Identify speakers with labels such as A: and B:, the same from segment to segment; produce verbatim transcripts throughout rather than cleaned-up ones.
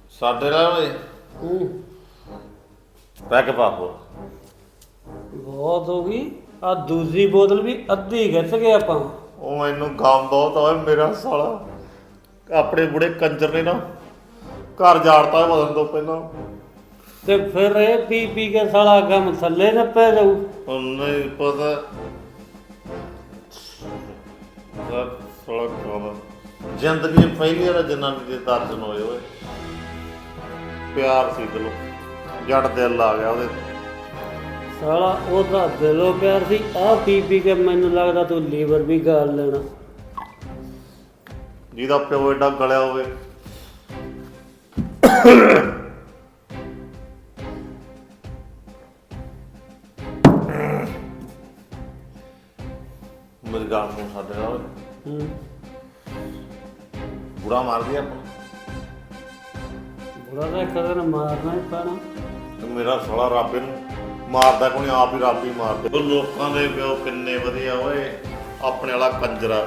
A: ਸਾਡੇ ਨਾਲ ਓਏ
B: ਹੂੰ
A: ਪੈਕ ਪਾਪੋ
B: ਬਹੁਤ ਹੋ ਗਈ। ਆ ਦੂਜੀ ਬੋਤਲ ਵੀ ਅੱਧੀ ਗਿੱਥ ਗਏ ਆਪਾਂ।
A: ਉਹ ਮੈਨੂੰ ਗਮ ਬਹੁਤ ਓਏ ਮੇਰਾ ਸਾਲਾ ਆਪਣੇ ਬੁੜੇ ਕੰਜਰ ਨੇ ਨਾ ਘਰ ਜਾੜਤਾ ਬਦਲਣ ਤੋਂ ਪਹਿਲਾਂ।
B: ਤੇ ਫਿਰ ਇਹ ਪੀ ਪੀ ਕੇ ਸਾਲਾ ਗਮ ਥੱਲੇ ਨਾ ਪੈ ਜਾਊ।
A: ਹੁਣ ਨਹੀਂ ਪਤਾ ਸਾਲਾ ਗਮ ਜ਼ਿੰਦਗੀ ਪਹਿਲੀ ਵਾਰ ਜਨਾਨੀ ਦੇ ਦਰਸ਼ਨ ਹੋਏ ਓਏ। ਪਿਆਰ ਸੀ ਦਿਲੋਂ ਜੜ ਦਿਲ ਆ ਗਿਆ ਉਹਦੇ
B: ਸਾਲਾ ਉਹਦਾ ਦਿਲੋਂ ਪਿਆਰ ਸੀ। ਆਹ ਪੀ ਪੀ ਕੇ ਮੈਨੂੰ ਲੱਗਦਾ ਤੂੰ ਲੀਵਰ ਵੀ ਗਾਲ ਲੈਣਾ।
A: ਜਿਹਦਾ ਪਿਓ ਏਡਾ ਗਲਿਆ ਹੋਵੇ। ਮੇਰੀ ਗੱਲ ਸੁਣ ਸਾਡੇ ਨਾਲ
B: ਹੂੰ
A: ਬੁੜਾ ਮਾਰਦੀ ਆਪਾਂ
B: ਬੁੜਾ ਤਾਂ ਇੱਕ ਦਿਨ ਮਾਰਨਾ ਹੀ ਪੈਣਾ।
A: ਤੇ ਮੇਰਾ ਸਾਲਾ ਰੱਬ ਨੂੰ ਮਾਰਦਾ ਕੋਈ ਆਪ ਹੀ ਰੱਬ ਹੀ ਮਾਰਦੇ। ਉਹ ਲੋਕਾਂ ਦੇ ਪਿਓ ਕਿੰਨੇ ਵਧੀਆ ਓਏ ਆਪਣੇ ਵਾਲਾ ਕੰਜਰਾ।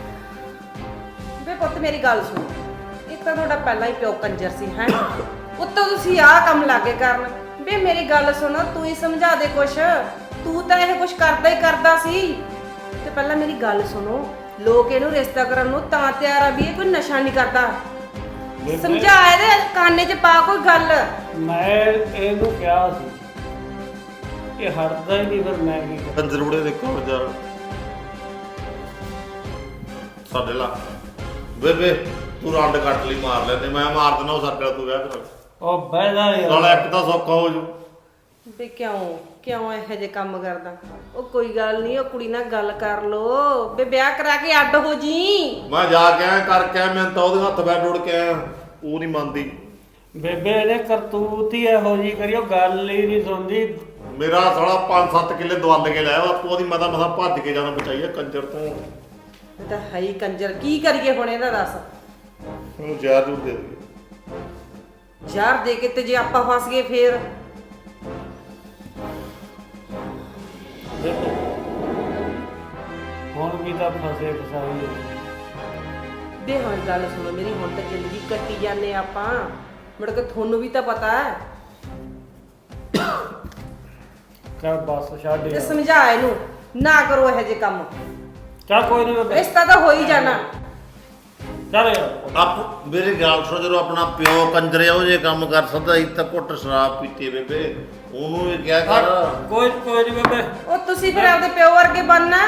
C: ਵੇ ਪੁੱਤ ਮੇਰੀ ਗੱਲ ਸੁਣ। ਇੱਕ ਤਾਂ ਤੁਹਾਡਾ ਪਹਿਲਾਂ ਹੀ ਪਿਓ ਕੰਜਰ ਸੀ ਹੈ ਉੱਤੋਂ ਤੁਸੀਂ ਆਹ ਕੰਮ ਲਾਗੇ ਕਰਨ। ਵੇ ਮੇਰੀ ਗੱਲ ਸੁਣ ਤੂੰ ਹੀ ਸਮਝਾ ਦੇ ਕੁਛ। ਤੂੰ ਤਾਂ ਇਹ ਕੁਛ ਕਰਦਾ ਹੀ ਕਰਦਾ ਸੀ। ਤੇ ਪਹਿਲਾਂ ਮੇਰੀ ਗੱਲ ਸੁਣੋ ਲੋਕ ਇਹਨੂੰ ਰਿਸ਼ਤਾ ਕਰਨ ਨੂੰ ਤਾਂ ਤਿਆਰ ਆ ਵੀ ਇਹ ਕੋਈ ਨਸ਼ਾ ਨਹੀਂ ਕਰਦਾ। ਸਮਝਾ ਇਹਦੇ ਕਾਨੇ 'ਚ ਪਾ ਕੋਈ ਗੱਲ।
B: ਮੈਂ ਇਹਨੂੰ ਕਿਹਾ ਸੀ ਇਹ ਹਟਦਾ ਹੀ ਨਹੀਂ। ਫਿਰ ਮੈਂ ਕੀ ਕਰਾਂ।
A: ਕੰਜਰ ਬੁੜੇ ਦੇਖੋ ਯਾਰ ਸਾਡੇ ਲਾ ਬੇਬੇ ਤੂੰ ਰੰਡ ਕੱਟ ਲਈ ਮਾਰ ਲੈਂਦੇ ਮੈਂ ਮਾਰ ਦਿੰਦਾ ਉਹ ਸਾਡੇ ਨਾਲ ਤੂੰ ਵਿਆਹ ਕਰਾ।
B: ਉਹ ਬਹਿਦਾ ਯਾਰ
A: ਸਾਲਾ ਇੱਕ ਤਾਂ ਸੌਖਾ ਹੋ ਜੂ।
C: ਵੇ ਕਿਉਂ ਕਿਉਂ ਇਹੋ ਜਿਹੇ ਕੰਮ ਕਰਦਾ। ਉਹ ਕੋਈ ਗੱਲ ਨਹੀਂ ਉਹ ਕੁੜੀ ਨਾਲ ਗੱਲ ਕਰ ਲੋ। ਵੇ ਵਿਆਹ ਕਰਾ ਕੇ ਅੱਡ ਹੋ ਜੀ।
A: ਮੈਂ ਜਾ ਕੇ ਆਇਆ ਕਰਕੇ ਆਇਆ ਮੈਂ ਤਾਂ ਉਹਦੇ ਹੱਥ ਬੈਠ ਉੜ ਕੇ ਆਇਆ ਉਹ ਨਹੀਂ ਮੰਨਦੀ।
B: ਬੇਬੇ ਇਹਨੇ ਕਰਤੂਤ ਹੀ ਇਹੋ ਜੀ ਕਰਿਓ ਗੱਲ ਹੀ ਨਹੀਂ ਸੁਣਦੀ।
A: ਮੇਰਾ ਸਾਲਾ ਪੰਜ ਸੱਤ ਕਿੱਲੇ ਦਵਲ ਕੇ ਲਾਇਆ ਆਪੋ ਉਹਦੀ ਮਤਾ ਮਤਾ ਭੱਜ ਕੇ ਜਾਣਾ ਬਚਾਈਆ ਕੰਜਰ ਤੋਂ।
C: ਇਹ ਤਾਂ ਹੈ ਹੀ ਕੰਜਰ। ਕੀ ਕਰੀਏ ਹੁਣ ਇਹਦਾ ਦੱਸ।
A: ਉਹਨੂੰ ਜ਼ਹਿਰ ਜ਼ਰੂਰ ਦੇ ਦੇ
C: ਯਾਰ ਦੇ ਕੇ ਤੇ ਜੇ ਆਪਾਂ ਫਸ ਗਏ ਫੇਰ।
B: ਹੁਣ ਵੀ ਤਾਂ ਫਸੇ ਫਸਾਈ
C: ਵੇ ਹੁਣ ਗੱਲ ਸੁਣੋ ਮੇਰੀ। ਹੁਣ ਤਾਂ ਜ਼ਿੰਦਗੀ ਕੱਟੀ ਜਾਂਦੇ ਆਪਾਂ। ਮੁੜ ਕੇ ਤੁਹਾਨੂੰ ਵੀ ਤਾਂ ਪਤਾ ਹੈ।
B: ਚੱਲ ਬਸ ਛੱਡ
C: ਤੇ
B: ਯਾਰ।
C: ਸਮਝਾ ਇਹਨੂੰ ਨਾ ਕਰੋ ਇਹੋ ਜਿਹੇ ਕੰਮ।
B: ਚੱਲ ਕੋਈ ਨਹੀਂ ਬੇਬੇ
C: ਰਿਸ਼ਤਾ ਤਾਂ ਹੋ ਹੀ ਜਾਣਾ।
B: ਚੱਲ ਯਾਰ।
A: ਆਪ ਮੇਰੇ ਗੱਲ ਸੁਣ ਜਦੋਂ ਆਪਣਾ ਪਿਓ ਕੰਜਰੇ ਉਹ ਜੇ ਕੰਮ ਕਰ ਸਕਦਾ ਸੀ ਤਾਂ ਘੁੱਟ ਸ਼ਰਾਬ ਪੀਤੀ ਬੇਬੇ ਉਹਨੂੰ ਵੀ ਕਿਹਾ ਕਰ।
B: ਕੋਈ ਕੋਈ ਨਹੀਂ ਬੇਬੇ।
C: ਉਹ ਤੁਸੀਂ ਫਿਰ ਆਪਦੇ ਪਿਓ ਵਰਗੇ ਬਣਨਾ।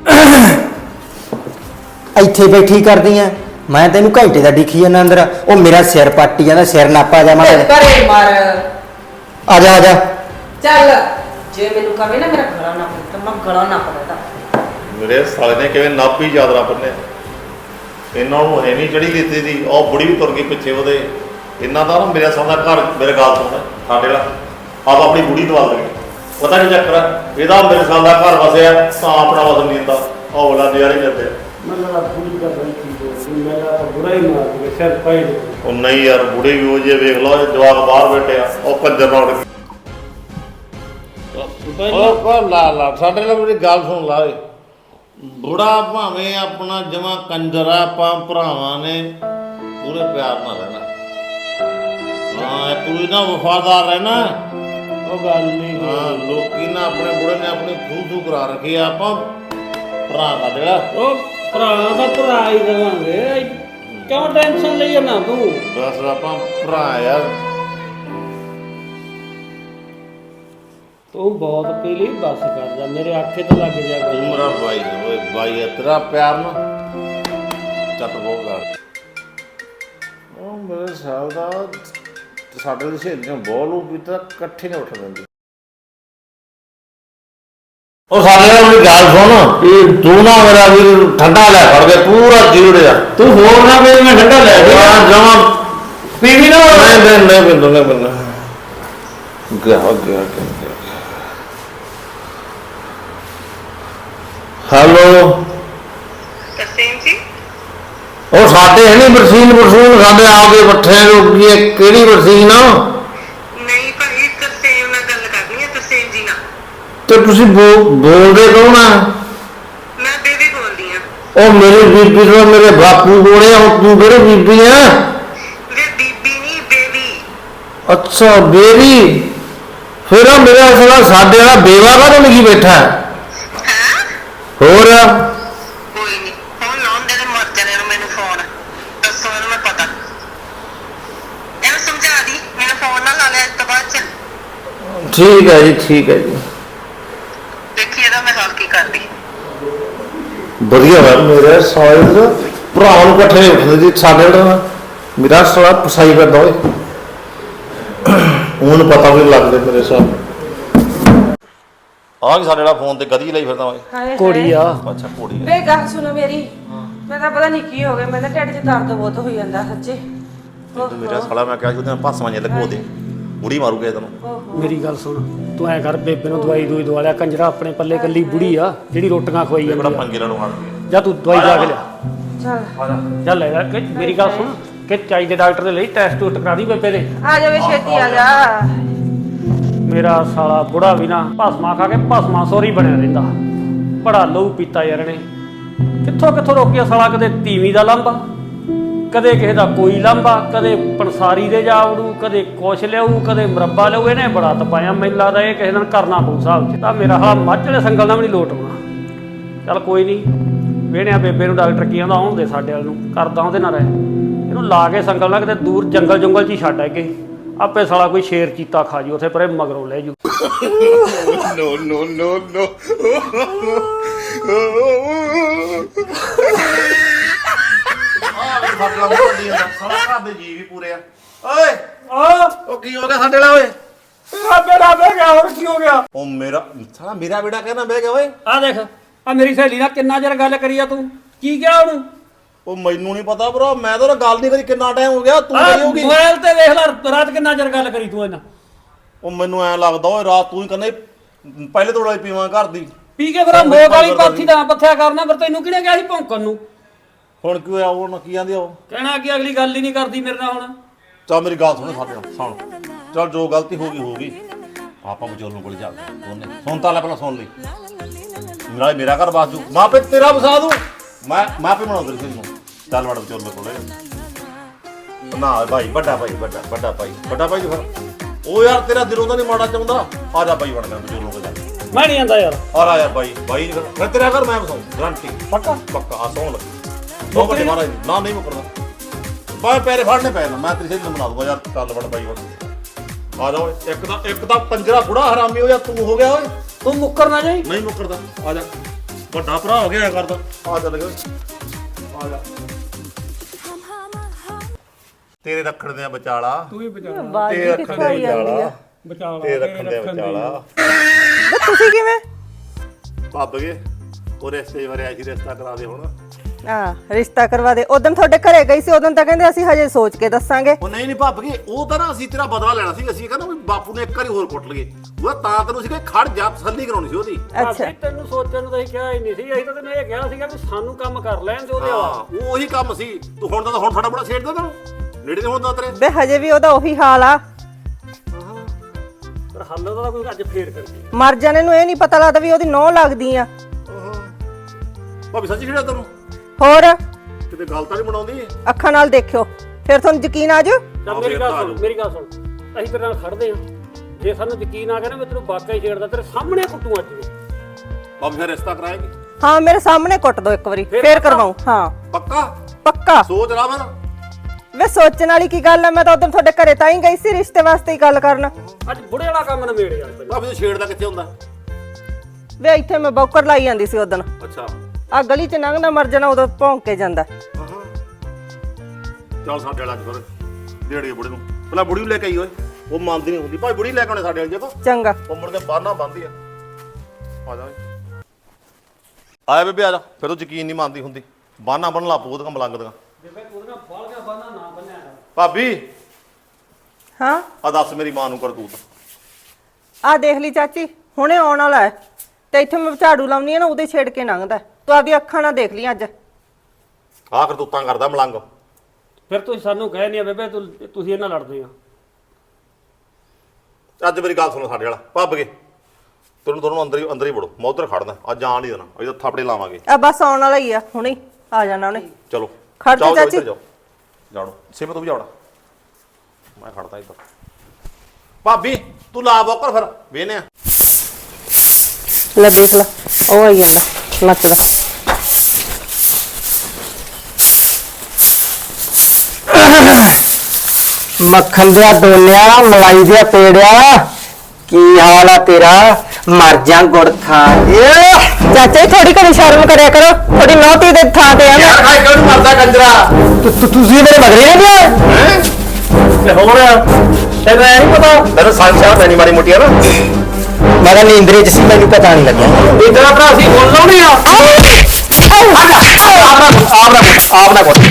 D: ਇੱਥੇ ਬੈਠੀ ਕਰਦੀ ਆ ਮੈਂ ਤੈਨੂੰ ਘੰਟੇ ਦਾ ਡਿੱਖੀ ਜਾਂਦਾ ਅੰਦਰ। ਉਹ ਮੇਰਾ ਸਿਰ ਪੱਟੀ ਜਾਂਦਾ ਸਿਰ ਨਾਪਾ ਜਾ ਮਾੜਾ ਜਿਹਾ।
C: ਘਰੇ ਮਾਰ
D: ਆ ਜਾ ਆ ਜਾ।
C: ਚੱਲ ਜੇ ਮੈਨੂੰ ਕਹੇ ਨਾ ਮੇਰਾ ਗਲਾ ਨਾ ਪੜਦਾ ਮੈਂ ਗਲਾ ਨਾ ਪੜਦਾ।
A: ਮੇਰੇ ਸਾਲੇ ਨੇ ਕਿਵੇਂ ਨਾਭੀ ਯਾਦਰਾ ਬੰਨੇ ਇਹਨਾਂ ਨੂੰ ਹੈ ਨਹੀਂ ਚੜੀ ਲਿੱਤੀ ਦੀ ਉਹ ਬੁੜੀ ਵੀ ਤੁਰ ਗਈ ਪਿੱਛੇ ਉਹਦੇ। ਇਹਨਾਂ ਦਾ ਨਾ ਮੇਰੇ ਸਾਹਮਣੇ ਘਰ ਮੇਰੇ ਗੱਲ ਸੁਣ ਸਾਡੇ ਵਾਲਾ ਆਪ ਆਪਣੀ ਬੁੜੀ ਦਵਾ ਦੇ ਪਤਾ ਨਹੀਂ ਚੱਕਰ ਇਹਦਾ ਮੇਰੇ ਸਾਹਮਣੇ ਘਰ ਵਸਿਆ ਤਾਂ ਆਪਣਾ ਵਸਨ ਨਹੀਂ ਦਿੰਦਾ ਉਹ ਬਲਾ ਨਜ਼ਾਰੇ ਕਰਦੇ।
B: ਮੈਨੂੰ ਤਾਂ ਪੂਰੀ ਕਰ ਰਹੀ ਸੀ ਮੇਰਾ ਬੁਰਾ ਹੀ ਮਾਰ ਕੇ ਸਿਰ ਪਾਈ।
A: ਉਹ ਨਹੀਂ ਯਾਰ ਬੁੜੇ ਵੀ ਉਹ ਜੇ ਵੇਖ ਲਓ ਜਵਾਕ ਬਾਹਰ ਬੈਠੇ ਆ ਉਹ ਕੰਜਰ ਨਾਲ ਉੱਡ ਉਹ ਕੋ ਲਾ ਲਾ ਸਾਡੇ ਨਾਲ ਮੇਰੀ ਗੱਲ ਸੁਣ ਲਾ ਓਏ। ਬੁੜਾ ਭਾਵੇਂ ਆਪਣਾ ਜਮਾ ਕੰਜਰ ਆ ਆਪਾਂ ਭਰਾਵਾਂ ਨੇ ਪੂਰੇ ਪਿਆਰ ਨਾਲ ਰਹਿਣਾ। ਹਾਂ ਕੋਈ ਨਾ ਵਫਾਦਾਰ ਰਹਿਣਾ।
B: ਉਹ ਗੱਲ ਨਹੀਂ।
A: ਹਾਂ ਲੋਕੀ ਨਾ ਆਪਣੇ ਬੁੜੇ ਨੇ ਆਪਣੀ ਖੂਹ ਖੂਹ ਕਰਾ ਰੱਖੀ ਆ ਆਪਾਂ ਭਰਾ ਦਾ ਜਿਹੜਾ
B: ਉਹ ਭਰਾ ਦਾ ਭਰਾ ਹੀ ਦੇਵਾਂਗੇ। ਕਿਉਂ ਟੈਨਸ਼ਨ ਲਈ ਨਾ ਤੂੰ।
A: ਬਸ ਆਪਾਂ ਭਰਾ ਯਾਰ।
B: ਤੂੰ ਬਹੁਤ ਪੀ ਲਈ ਬਸ ਕਰ ਜਾ ਮੇਰੇ ਆਖੇ ਤੇ ਲੱਗ ਜਾ।
A: ਤੂੰ ਮੇਰਾ ਭਾਈ ਓਏ ਭਾਈ ਹੈ ਤੇਰਾ ਪਿਆਰ ਨਾ ਚੱਤ ਬਹੁਤ ਕਰ। ਉਹ ਮੇਰੇ ਸਾਹ ਦਾ ਸਾਡੇ ਦੇ ਸਹੇਲੀਆਂ ਬਹੁਤ ਲੋਕ ਵੀ ਤਾਂ ਇਕੱਠੇ ਨੇ ਉੱਠ ਦਿੰਦੇ। ਉਹ ਸਾਡੇ ਨਾਲ ਮੇਰੀ ਗੱਲ ਸੁਣ ਤੂੰ ਨਾ ਮੇਰਾ ਵੀ ਠੰਡਾ ਲੈ ਫੜ ਕੇ ਪੂਰਾ ਜੀੜਿਆ
B: ਤੂੰ ਹੋਰ ਨਾ ਪੀ ਮੈਂ ਠੰਡਾ ਲੈ
A: ਹਾਂ ਜਮਾ
B: ਪੀ ਵੀ ਨਾ।
A: ਨਹੀਂ ਨਹੀਂ ਨਹੀਂ ਬਿੰਦੂ ਨਹੀਂ ਬਿੰਦੂ ਗਿਆ ਗਿਆ ਗਿਆ। ਹੈਲੋ
E: ਤਰਸੇਮ ਜੀ।
A: ਉਹ ਸਾਡੇ ਹੈ ਨਹੀਂ ਬਰਸੀਨ ਬਰਸੂਨ ਸਾਡੇ ਆਪਦੇ ਬੱਠੇ ਰੋਕੀ ਕਿਹੜੀ ਬਰਸੀਨ ਆ।
E: ਨਹੀਂ ਭਾਈ ਤਰਸੇਮ ਨਾਲ ਗੱਲ ਕਰਨੀ ਹੈ। ਤਰਸੇਮ ਜੀ ਨਾਲ।
A: ਤੇ ਤੁਸੀਂ ਬੋਲਦੇ ਕੌਣ ਆ।
E: ਮੈਂ ਬੇਬੀ ਬੋਲਦੀ ਆ।
A: ਉਹ ਮੇਰੀ ਬੀਬੀ ਤੋਂ ਮੇਰੇ ਬਾਪੂ ਕੋਲੇ ਹੁਣ ਤੂੰ ਕਿਹੜੀ ਬੀਬੀ ਆ।
E: ਵੇ ਬੀਬੀ ਨਹੀਂ ਬੇਬੀ।
F: ਅੱਛਾ ਬੇਰੀ ਫਿਰ ਉਹ ਮੇਰਾ ਸਾਲਾ ਸਾਡੇ ਵਾਲਾ ਬੇਵਾ ਕਾਹਦੋਂ ਲਿਖੀ ਬੈਠਾ ਹੈ?
E: ਹਾਂ
F: ਹੋਰ
E: ਕੋਈ ਨਹੀਂ ਹੁਣ ਲਾਉਂਦੇ ਨੇ ਮਰ ਜਾਣੇ ਨੂੰ ਮੈਨੂੰ ਫੋਨ ਦੱਸੋ ਇਹਨੂੰ ਮੈਂ ਪਤਾ ਇਹਨੂੰ ਸਮਝਾ ਦੀ ਮੈਨੂੰ ਫੋਨ ਨਾ ਲਾ ਲਿਆ ਇਸ ਤੋਂ ਬਾਅਦ ਚ
F: ਠੀਕ ਹੈ ਜੀ ਠੀਕ ਹੈ ਜੀ
E: ਦੇਖੀ ਇਹਦਾ ਮੈਂ ਹੱਲ ਕੀ ਕਰਦੀ
F: ਵਧੀਆ ਵਾ ਮੇਰੇ ਸਾਲੇ ਦਾ ਭਰਾ ਨੂੰ ਇਕੱਠੇ ਉੱਠਦੇ ਜੀ ਸਾਡੇ ਨਾਲ ਮੇਰਾ ਸਾਲਾ ਪਸਾਈ ਕਰਦਾ ਓਏ ਉਹਨੂੰ ਪਤਾ ਵੀ ਲੱਗਦੇ ਮੇਰੇ ਸਾਹ
A: ਆਹ ਵੀ ਸਾਡੇ ਵਾਲਾ ਫੋਨ ਤੇ ਗਦੀ ਲਈ ਫਿਰਦਾ ਓਏ
C: ਹਾਏ
B: ਕੁੜੀ ਆ
A: ਅੱਛਾ ਘੋੜੀ ਆ।
C: ਵੇ ਗੱਲ ਸੁਣੋ ਮੇਰੀ ਮੈਂ ਤਾਂ ਪਤਾ ਨਹੀਂ ਕੀ ਹੋ ਗਿਆ ਮੇਰੇ ਢਿੱਡ 'ਚ ਦਰਦ ਬਹੁਤ ਹੋਈ ਜਾਂਦਾ ਸੱਚੇ
A: ਤੂੰ ਮੇਰਾ ਸਾਲਾ ਮੈਂ ਕਿਹਾ ਸੀ ਉਹਦੇ ਨਾਲ ਭਾਸਾਂ ਜੇ ਲਗੋ ਦੇ ਬੁੜੀ ਮਾਰੂਗੇ ਤੈਨੂੰ
B: ਮੇਰੀ ਗੱਲ ਸੁਣ ਤੂੰ ਐ ਕਰ ਬੇਬੇ ਨੂੰ ਦਵਾਈ ਦੂਈ ਦਵਾ ਲਿਆ ਕੰਜਰਾ ਆਪਣੇ ਪੱਲੇ ਕੱਲੀ ਬੁੜੀ ਆ ਜਿਹੜੀ ਰੋਟੀਆਂ ਖਵਾਈ
A: ਬੜਾ
B: ਜਾਂਦੀ ਆ
A: ਪੰਗੇ ਲੈਣੋਂ ਹਟ ਗਏ
B: ਜਾ ਤੂੰ ਦਵਾਈ ਜਾ ਕੇ ਲਿਆ
C: ਚੱਲ
B: ਚੱਲ ਲੈ ਜਾ ਕਿ ਮੇਰੀ ਗੱਲ ਸੁਣ ਕਿ ਚਾਹੀਦੇ ਡਾਕਟਰ ਦੇ ਲਈ ਟੈਸਟ ਟੂਸਟ ਕਰਾ ਦੀ ਬੇਬੇ ਦੇ
C: ਆ ਜਾਵੇ ਛੇਤੀ ਆ ਜਾ
B: ਮੇਰਾ ਸਾਲਾ ਬੁੜਾ ਵੀ ਨਾ ਭਸਮਾ ਖਾ ਕੇ ਭਸਮਾ ਸੋਰੀ ਬਣਿਆ ਰਹਿੰਦਾ ਬੜਾ ਲਹੂ ਪੀਤਾ ਯਾਰ ਨੇ ਕਿੱਥੋਂ ਕਿੱਥੋਂ ਰੋਕਿਆ ਸਾਲਾ ਕਦੇ ਤੀਵੀਂ ਦਾ ਲਾਂਭਾ ਕਦੇ ਕਿਸੇ ਦਾ ਕੋਈ ਲਾਂਭਾ ਕਦੇ ਪੰਸਾਰੀ ਦੇ ਜਾ ਵੜੂ ਕਦੇ ਕੁਛ ਲਿਆਊ ਕਦੇ ਮੁਰੱਬਾ ਲਿਆਊ ਇਹਨੇ ਬੜਾ ਤਪਾਇਆ ਮੈਨੂੰ ਲੱਗਦਾ ਇਹ ਕਿਸੇ ਦਿਨ ਕਰਨਾ ਪਊ ਹਿਸਾਬ 'ਚ ਤਾਂ ਮੇਰਾ ਹਾਲ ਮੱਝ ਵਾਲੇ ਸੰਗਲ ਨਾਲ ਵੀ ਨਹੀਂ ਲੋਟ ਆਉਣਾ ਚੱਲ ਕੋਈ ਨਹੀਂ ਵੇਹਣਿਆ ਬੇਬੇ ਨੂੰ ਡਾਕਟਰ ਕੀ ਆਂਦਾ ਆਉਣ ਦੇ ਸਾਡੇ ਵੱਲ ਨੂੰ ਕਰਦਾ ਉਹਦੇ ਨਾਲ ਰਹਿ ਇਹਨੂੰ ਲਾ ਕੇ ਸੰਗਲ ਨਾਲ ਕਿਤੇ ਦੂਰ ਜੰਗਲ ਜੰਗਲ 'ਚ ਹੀ ਛੱਡ ਆਗੇ ਆਪੇ ਸਾਲਾ ਕੋਈ ਸ਼ੇਰ ਚੀਤਾ ਖਾ ਜੂ ਉੱਥੇ ਪਰੇ ਮਗਰੋਂ ਲੈ ਜੂ
A: ਨੋ ਨੋ ਨੋ ਨੋ ਆਹ ਸਾਡੇ ਵਾਲਾ ਮੁੰਡੀ ਹੁੰਦਾ ਸਾਲਾ ਘਰ ਦੇ ਜੀ ਵੀ ਪੂਰੇ ਆ ਓਏ
B: ਆ
A: ਉਹ ਕੀ ਹੋ ਗਿਆ ਸਾਡੇ ਵਾਲਾ ਓਏ
B: ਮੇਰਾ ਬੇੜਾ ਬਹਿ ਗਿਆ ਹੋਰ ਕੀ ਹੋ ਗਿਆ
A: ਉਹ ਮੇਰਾ ਸਾਲਾ ਮੇਰਾ ਬੇੜਾ ਕਹਿੰਦਾ ਬਹਿ ਗਿਆ ਓਏ
B: ਆ ਦੇਖ ਆ ਮੇਰੀ ਸਹੇਲੀ ਨਾਲ ਕਿੰਨਾ ਚਿਰ ਗੱਲ ਕਰੀ ਆ ਤੂੰ ਕੀ ਕਿਹਾ ਉਹਨੂੰ
A: ਉਹ ਮੈਨੂੰ ਨਹੀਂ ਪਤਾ ਭਰਾ ਮੈਂ ਤਾਂ ਗੱਲ ਨਹੀਂ ਕਰੀ ਕਿੰਨਾ ਟਾਈਮ ਹੋ ਗਿਆ ਤੂੰ ਕਰੀ ਹੋਗੀ
B: ਮੋਬਾਈਲ ਤੇ ਵੇਖ ਲੈ ਰਾਤ ਕਿੰਨਾ ਚਿਰ ਗੱਲ ਕਰੀ ਤੂੰ ਇਹਨਾਂ
A: ਉਹ ਮੈਨੂੰ ਐ ਲੱਗਦਾ ਓਏ ਰਾਤ ਤੂੰ ਹੀ ਕਹਿੰਦਾ ਸੀ, ਪਹਿਲੇ ਤੋੜਾ ਹੀ ਪੀਵਾਂ ਘਰ ਦੀ
B: ਪੀ ਕੇ ਫਿਰ ਮੋਕ ਵਾਲੀ ਪਾਥੀ ਦਾ ਪੱਥਿਆ ਕਰਨਾ ਫਿਰ ਤੈਨੂੰ ਕਿਹਨੇ ਕਿਹਾ ਸੀ ਭੌਂਕਣ ਨੂੰ
A: ਹੁਣ ਕੀ ਹੋਇਆ ਉਹ ਕੀ ਆਂਦੇ ਉਹ
B: ਕਹਿਣਾ ਕਿ ਅਗਲੀ ਗੱਲ ਹੀ ਨਹੀਂ ਕਰਦੀ ਮੇਰੇ ਨਾਲ ਹੁਣ
A: ਚੱਲ ਮੇਰੀ ਗੱਲ ਸੁਣ ਸਾਡੇ ਨਾਲ ਸੁਣ ਚੱਲ ਜੋ ਗਲਤੀ ਹੋ ਗਈ ਹੋ ਗਈ ਆਪਾਂ ਵਿਚੋਲਣ ਕੋਲ ਚੱਲਦੇ ਦੋਨੇ ਸੁਣ ਤਾਂ ਲੈ ਪਹਿਲਾਂ ਸੁਣ ਲਈ ਮੇਰਾ ਮੇਰਾ ਘਰ ਬਾਸ ਜੂ ਮਾਂ ਪੇ ਤੇਰਾ ਵਸਾ ਦੂੰ ਮੈਂ ਮੈਂ ਪੇ ਬਣਾਉਂਦਾ ਸੀ ਨੂੰ ਚੱਲ ਵੜ ਵਿਚੋਲਣ ਕੋਲ ਨਾ ਭਾਈ ਵੱਡਾ ਭਾਈ ਵੱਡਾ ਵੱਡਾ ਭਾਈ ਵੱਡਾ ਭਾਈ ਫਿਰ ਉਹ ਯਾਰ ਤੇਰਾ ਦਿਲੋਂ ਤਾਂ ਨਹੀਂ ਮਾੜਾ ਚਾਹੁੰਦਾ ਆ ਜਾ ਭਾਈ ਬਣ ਗਿਆ ਵਿਚੋਲਣ ਕੋਲ ਜਾ
B: ਮੈਂ ਨਹੀਂ ਆਂਦਾ ਯਾਰ
A: ਔਰ ਆ ਯਾਰ ਭਾਈ ਭਾਈ ਫਿਰ ਫਿਰ ਤੇਰਾ ਘਰ ਮੈਂ ਵਸਾਉਂ ਗਰੰਟੀ
B: ਪੱਕਾ
A: ਪੱਕਾ ਆ ਸੌਣ ਲੱਗੀ ਦੋ ਵੱਡੇ ਮਹਾਰਾਜ ਨਾ ਨਹੀਂ ਮੁਕਰਦਾ ਬਾਏ ਪੈਰੇ ਫੜਨੇ ਪੈ ਨਾ ਮੈਂ ਤੇਰੀ ਸੇਧ ਬਣਾ ਦੂੰਗਾ ਯਾਰ ਚੱਲ ਵੜ ਬਾਈ ਵੜ ਆ ਜਾ ਓਏ ਇੱਕ ਦਾ ਇੱਕ ਦਾ ਪੰਜਰਾ ਬੁੜਾ ਹਰਾਮੀ ਹੋ ਜਾ ਤੂੰ ਹੋ ਗਿਆ ਓਏ
B: ਤੂੰ ਮੁੱਕਰ ਨਾ ਜਾਈ
A: ਨਹੀਂ ਮੁਕਰਦਾ ਆ ਜਾ ਵੱਡਾ ਭਰਾ ਹੋ ਗਿਆ ਕਰਦਾ ਆ ਚੱਲ ਗਿਆ ਆ ਜਾ ਤੇਰੇ ਰੱਖਣ ਦੇ ਵਿਚਾਲਾ
B: ਤੂੰ ਹੀ ਬਚਾ
A: ਤੇਰੇ ਰੱਖਣ ਦੇ ਵਿਚਾਲਾ
B: ਬਚਾ
A: ਤੇਰੇ ਰੱਖਣ ਦੇ ਵਿਚਾਲਾ
G: ਤੁਸੀਂ ਕਿਵੇਂ
A: ਭੱਬ ਗਏ ਉਹ ਰਿਸ਼ਤੇ ਬਾਰੇ ਆਈ ਸੀ ਰਿਸ਼ਤਾ ਕਰਾ ਦੇ ਹੁਣ
G: ਆ ਰਿਸ਼ਤਾ ਕਰਵਾ ਦੇ ਉਦੋਂ ਤੁਹਾਡੇ ਘਰੇ ਗਈ ਸੀ ਉਦੋਂ ਤਾਂ ਕਹਿੰਦੇ ਅਸੀਂ ਹਜੇ ਸੋਚ ਕੇ ਦੱਸਾਂਗੇ
A: ਉਹ ਨਹੀਂ ਨਹੀਂ ਭੱਬ ਗਏ ਉਹ ਤਾਂ ਨਾ ਅਸੀਂ ਤੇਰਾ ਬਦਲਾ ਲੈਣਾ ਸੀ ਅਸੀਂ ਕਹਿੰਦਾ ਵੀ ਬਾਪੂ ਨੇ ਇੱਕ ਵਾਰੀ ਹੋਰ ਕੁੱਟ ਲਈਏ ਉਹ ਤਾਂ ਤੈਨੂੰ ਸੀ ਕਿ ਖੜ ਜਾ ਤਸੱਲੀ ਕਰਾਉਣੀ ਸੀ ਉਹਦੀ
G: ਅੱਛਾ
B: ਤੈਨੂੰ ਸੋਚਣ ਨੂੰ ਤਾਂ ਅਸੀਂ ਕਿਹਾ ਹੀ ਨਹੀਂ ਸੀ ਅਸੀਂ ਤਾਂ ਤੈਨੂੰ ਇਹ ਕਿਹਾ ਸੀਗਾ ਵੀ ਸਾਨੂੰ ਕੰਮ ਕਰ ਲੈਣ ਦੇ ਉਹਦੇ
A: ਹਾਂ
B: ਆ
A: ਉਹ ਉਹੀ ਕੰਮ ਸੀ ਤੂੰ ਹੁਣ ਤਾਂ ਹੁਣ ਸਾਡਾ ਬੜਾ ਛੇੜਦਾ ਤੈਨੂੰ ਨੇੜੇ ਤੇ ਹੁੰਦਾ ਤੇਰੇ
G: ਬੇ ਹਜੇ ਵੀ ਉਹਦਾ ਉਹੀ ਹਾਲ ਆ
B: ਪਰ ਹੱਲ ਦਾ ਕੋਈ ਅੱਜ ਫੇਰ ਕਰੀਏ
G: ਮਰ ਜਾਣੇ ਨੂੰ ਇਹ ਨਹੀਂ ਪਤਾ ਲੱਗਦਾ ਵੀ ਉਹਦੀ ਨੌ ਲੱਗਦੀ ਆ
A: ਭਾਵੇਂ ਸੱਚੀ ਖੇੜਾ ਤੈਨੂੰ
G: ਹੋਰ
A: ਕਿਤੇ ਗੱਲ ਤਾਂ ਨਹੀਂ ਬਣਾਉਂਦੀ
G: ਅੱਖਾਂ ਨਾਲ ਦੇਖਿਓ ਫਿਰ ਤੁਹਾਨੂੰ ਯਕੀਨ ਆ ਜਾਊ
B: ਚੱਲ ਮੇਰੀ ਗੱਲ ਸੁਣ ਮੇਰੀ ਗੱਲ ਸੁਣ ਅਸੀਂ ਤੇਰੇ ਨਾਲ ਖੜਦੇ ਹਾਂ ਜੇ ਸਾਨੂੰ ਯਕੀਨ ਆ ਗਿਆ ਨਾ ਮੈਂ ਤੈਨੂੰ ਵਾਕਿਆ ਹੀ ਛੇੜਦਾ ਤੇਰੇ ਸਾਹਮਣੇ ਕੁੱਟੂ ਅੱਜ ਵੀ
A: ਭਾਵੇਂ ਫਿਰ ਰਿਸ਼ਤਾ ਕਰਾਏਗੀ
G: ਹਾਂ ਮੇਰੇ ਸਾਹਮਣੇ ਕੁੱਟ ਦੋ ਇੱਕ ਵਾਰੀ
B: ਫਿਰ
G: ਫੇਰ
B: ਪੱਕਾ?
G: ਕਰਵਾਉ ਹਾਂ
A: ਪੱਕਾ
G: ਪੱਕਾ
A: ਸੋਚ ਲਾ ਫਿਰ
G: ਵੇ ਸੋਚਣ ਵਾਲੀ ਕੀ ਗੱਲ ਆ ਮੈਂ ਤਾਂ ਉਦੋਂ ਤੁਹਾਡੇ ਘਰੇ ਤਾਂ ਹੀ ਗਈ ਸੀ ਰਿਸ਼ਤੇ ਵਾਸਤੇ ਹੀ ਗੱਲ ਕਰਨ
B: ਅੱਜ ਬੁੜੇ ਵਾਲਾ ਕੰਮ ਨਵੇੜ ਯਾਰ ਪਹਿਲਾਂ
A: ਭਾਵੇਂ ਤੂੰ ਛੇੜਦਾ ਕਿੱਥੇ ਹੁੰਦਾ
G: ਵੇ ਇੱਥੇ ਮੈਂ ਬੌਕਰ ਲਾਈ ਜਾਂਦੀ ਸੀ ਉਦੋਂ
A: ਅੱਛਾ
G: ਆ ਗਲੀ 'ਚ ਲੰਘਣਾ ਮਰ ਜਾਣਾ ਉਦੋਂ ਭੌਂਕ ਕੇ ਜਾਂਦਾ
A: ਚੱਲ ਸਾਡੇ ਵਾਲਾ ਅੱਜ ਫਿਰ ਡੇੜੇ ਬੁੜੇ ਨੂੰ ਪਹਿਲਾਂ ਬੁੜੀ ਨੂੰ ਲੈ ਕੇ ਆਈ ਓਏ ਉਹ ਮੰਨਦੀ ਨਹੀਂ ਹੁੰਦੀ ਭਾਈ ਬੁੜੀ ਲੈ ਕੇ ਆਉਣੇ ਸਾਡੇ ਵਾਲੇ ਜੇ ਕੋ
G: ਚੰਗਾ
A: ਉਹ ਮੁੜ ਕੇ ਬਾਹਨਾ ਬੰਦੀ ਆ ਆ ਜਾ ਓਏ ਆਇਆ ਬੇਬੇ ਆ ਜਾ ਫਿਰ ਉਹ ਯਕੀਨ ਨਹੀਂ ਮੰਨਦੀ ਹੁੰਦੀ ਬਾਹਨਾ ਬਣ ਲਾ ਪੂਤ ਕੰਮ ਲੰਗਦੀਆਂ
B: ਬੇਬੇ ਉਹਦੇ ਨਾਲ ਬਾਲ ਗਿਆ ਬਾਨਾ ਨਾ ਬੰਨਿਆ
A: ਭਾਬੀ
G: ਹਾਂ
A: ਆ ਦੱਸ ਮੇਰੀ ਮਾਂ ਨੂੰ ਕਰਤੂਤ
G: ਆ ਦੇਖ ਲਈ ਚਾਚੀ ਹੁਣੇ ਆਉਣ ਵਾਲਾ ਹੈ ਤੇ ਇੱਥੇ ਮੈਂ ਝਾੜੂ ਲਾਉਣੀ ਆ ਨਾ ਉਹਦੇ ਛੇੜ ਕੇ ਲੰਘਦਾ ਤੂੰ ਆਪਦੀ ਅੱਖਾਂ ਨਾਲ ਦੇਖ ਲਈ ਅੱਜ
A: ਆ ਕਰਤੂਤਾਂ ਕਰਦਾ ਮਲੰਗ
B: ਫਿਰ ਤੁਸੀਂ ਸਾਨੂੰ ਕਹਿ ਨਹੀਂ ਬੇਬੇ ਤੂੰ ਤੁਸੀਂ ਇਹਨਾਂ ਲੜਦੇ ਆ
A: ਅੱਜ ਮੇਰੀ ਗੱਲ ਸੁਣੋ ਸਾਡੇ ਵਾਲਾ ਭੱਬ ਗਏ ਤੈਨੂੰ ਤੁਹਾਨੂੰ ਅੰਦਰ ਹੀ ਅੰਦਰ ਹੀ ਵੜੋ ਮੈਂ ਉੱਧਰ ਖੜਦਾ ਅੱਜ ਜਾਣ ਨਹੀਂ ਦੇਣਾ ਅਸੀਂ ਤਾਂ ਥਾਪੜੇ ਲਾਵਾਂਗੇ
G: ਆ ਬਸ ਆਉਣ ਵਾਲਾ ਹੀ ਆ ਹੁਣੇ ਹੀ ਆ ਜਾਣਾ ਉਹਨੇ
A: ਚਲੋ
G: ਖੜ ਜਾ
A: ਜਾਓ, ਜਾਓ,
G: ਚਾਚੀ।
A: ਇੱਧਰ ਜਾਓ ਜਾਣੋ ਸਿਮਤ ਤੂੰ ਵੀ ਜਾਵੜਾ ਮੈਂ ਖੜਦਾ ਇੱਧਰ ਭਾਬੀ ਤੂੰ ਲਾ ਬੋਕਰ ਫਿਰ ਵੇਨੇ ਆ
G: ਲੈ ਦੇਖ ਲੈ ਉਹ ਆਈ ਜਾਂਦਾ ਨੱਚਦਾ
D: ਮੱਖਣ ਦਾ ਦੋਨਿਆ ਮਲਾਈ ਦਾ ਪੇੜਿਆ ਕੀ ਹਾਲ ਆ ਤੇਰਾ ਮਰ ਜਾ ਗੁੜ ਖਾ ਕੇ
G: ਚਾਚਾ ਥੋੜੀ ਘਣੀ ਸ਼ਰਮ ਕਰਿਆ ਕਰੋ ਥੋੜੀ ਨੌਤੀ ਦੇ ਥਾਂ ਤੇ ਆ
A: ਯਾਰ ਖਾਈ ਕਿਉਂ ਨੀ ਮਰਦਾ ਕੰਜਰਾ
D: ਤੁਸੀਂ ਮੇਰੇ ਮਗਰੇ ਨਹੀਂ ਪਿਆ
A: ਹੈ ਤੇ ਹੋਰ ਤੈਨੂੰ ਐ ਨਹੀਂ ਪਤਾ ਤੈਨੂੰ ਸੰਸ਼ਾ ਤੈਨੂੰ ਮਾੜੀ ਮੋਟੀ ਆ ਨਾ
D: ਮੈਂ ਤਾਂ ਨੀਂਦਰੇ ਚ ਸੀ ਮੈਨੂੰ ਪਤਾ ਨਹੀਂ ਲੱਗਿਆ
A: ਇਹ ਤੇਰਾ ਭਰਾ ਸੀ ਬੋਲ ਲਾਉਣੀ ਆ ਆਪ ਨਾ ਆਪ ਨਾ ਆਪ ਨਾ ਕੋਲ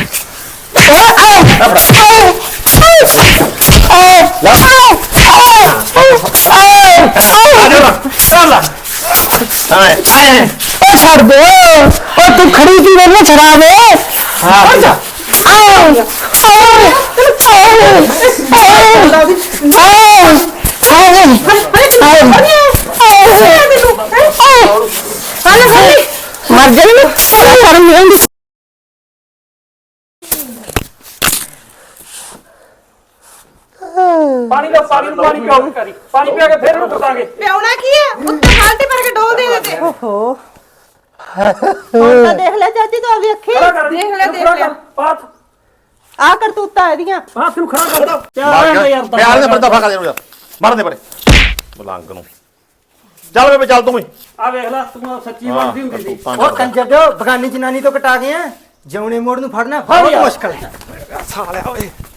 D: ਉਹ ਛੱਡ ਦੇ ਉਹ ਤੂੰ ਖੜੀ ਕੀ ਵੇਲੇ ਛੜਾਵੇ ਹਾਂ ਜਾ ਮਰ ਜਾਈ ਨਾ ਸ਼ਰਮ ਨਹੀਂ ਆਉਂਦੀ
B: ਪਾਣੀ ਦਾ ਪਾਣੀ ਨੂੰ ਪਾਣੀ ਪਿਆਓ ਕਰੀ ਪਾਣੀ ਪਿਆ ਕੇ ਫਿਰ ਇਹਨੂੰ ਕੁੱਟਾਂਗੇ
C: ਪਿਆਉਣਾ ਕੀ ਹੈ ਉੱਤੇ ਬਾਲਟੀ ਭਰ ਕੇ ਡੋਲ ਦੇ ਦੇ
G: ਓਹੋ ਹੁਣ ਤਾਂ ਦੇਖ ਲੈ ਚਾਚੀ ਤੂੰ ਆਪਦੀ ਅੱਖੀ
B: ਖੜਾ ਕਰ
C: ਦੇਖ ਲੈ, ਦੇਖ ਲੈ।
B: ਪਾਥ
G: ਆ ਕਰਤੂਤਾਂ ਇਹਦੀਆਂ
B: ਪਾਥ ਨੂੰ ਖੜਾ ਕਰ ਪਿਆ
A: ਮਾਰ
B: ਰਹਿਣ ਦੇ ਯਾਰ
A: ਕੇ ਪਿਆਰ ਦੇ ਪਰਦਾ ਫਾਕਾ ਦੇ ਯਾਰ ਮਾਰ ਦੇ ਪਰੇ ਬਲੰਗ ਨੂੰ ਚੱਲ ਬੇਬੇ ਚੱਲ ਤੂੰ ਵੀ
B: ਆ ਵੇਖ ਲੈ ਤੂੰ ਸੱਚੀ ਬਣਦੀ ਹੁੰਦੀ ਸੀ
D: ਉਹ ਕੰਜਰ ਦੇ ਬਗਾਨੀ ਜਨਾਨੀ ਤੋਂ ਕਟਾ ਗਿਆ ਜੌਣੇ ਮੋੜ ਨੂੰ ਫੜਨਾ ਬਹੁਤ ਮੁਸ਼ਕਲ ਹੈ ਸਾਲਿਆ ਓਏ